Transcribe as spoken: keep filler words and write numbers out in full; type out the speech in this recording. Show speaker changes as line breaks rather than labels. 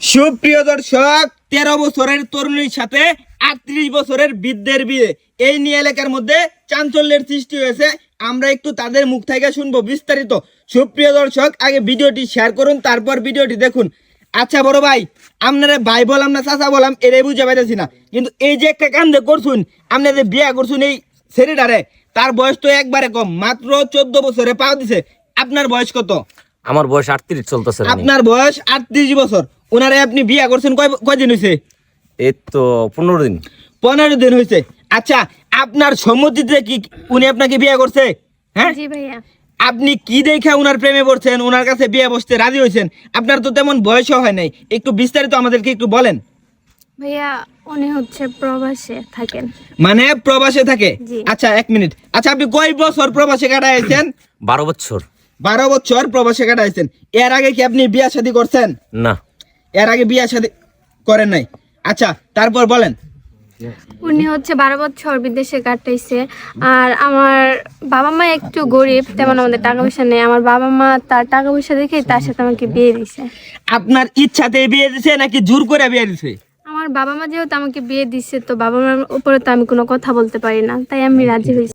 সুপ্রিয় দর্শক, তেরো বছরের তরুণীর সাথে আটত্রিশ বছরের বৃদ্ধের বিয়ে, এই নিয়ে এলাকার মধ্যে চাঞ্চল্যের সৃষ্টি হয়েছে। আমরা একটু তাদের মুখ থেকে শুনবো বিস্তারিত। সুপ্রিয় দর্শক, আগে ভিডিওটি শেয়ার করুন, তারপর ভিডিওটি দেখুন। আচ্ছা বড় ভাই, আপনারা ভাই বললাম না চাচা বললাম এটাই বুঝে পাইতেছি না, কিন্তু এই যে একটা কান্দে করছুন, আপনি যে বিয়ে করছুন এই ছেলেটারে, তার বয়স তো একবারে কম, মাত্র চোদ্দ বছরে পা দিছে। আপনার বয়স কত?
আমার বয়স আটত্রিশ চলতেছে।
আপনার বয়স আটত্রিশ বছর, ওনারে আপনি বিয়ে করছেন কয় কয়দিন হয়েছে?
এই তো পনেরো দিন।
পনেরো দিন হয়েছে। আচ্ছা, আপনার সম্মতিতে কি উনি আপনাকে বিয়ে করছে? হ্যাঁ
জি ভাইয়া।
আপনি কি দেখে ওনার প্রেমে পড়ছেন, ওনার কাছে বিয়ে বসতে রাজি হয়েছেন? আপনার তো তেমন বয়সও হয় নাই, একটু বিস্তারিত আমাদেরকে একটু বলেন।
ভাইয়া উনি হচ্ছে প্রবাসে থাকেন।
মানে প্রবাসে থাকে?
জি।
আচ্ছা এক মিনিট, আচ্ছা আপনি কয় বছর প্রবাসে কাটাইছেন?
বারো বছর।
বারো বছর প্রবাসে কাটাইছেন। এর আগে কি আপনি বিয়ে শাদী করছেন?
না।
এর আগে বিয়ে শাদী করেন নাই। আচ্ছা তারপর বলেন।
উনি হচ্ছে বারো বছর বিদেশে কাটাইছে। আর আমার বাবা মা একটু গরিব, তেমন আমাদের টাকা পয়সা নেই। আমার বাবা মা তার টাকা পয়সা দেখে তার সাথে আমাকে বিয়ে দিছে।
আপনার ইচ্ছাতে বিয়ে দিছে নাকি জোর করে বিয়ে দিছে?
আমার বাবা মা যেহেতু আমাকে বিয়ে দিচ্ছে, তো বাবা মার উপরে তো আমি কোনো কথা বলতে পারি না, তাই আমি রাজি হয়েছি।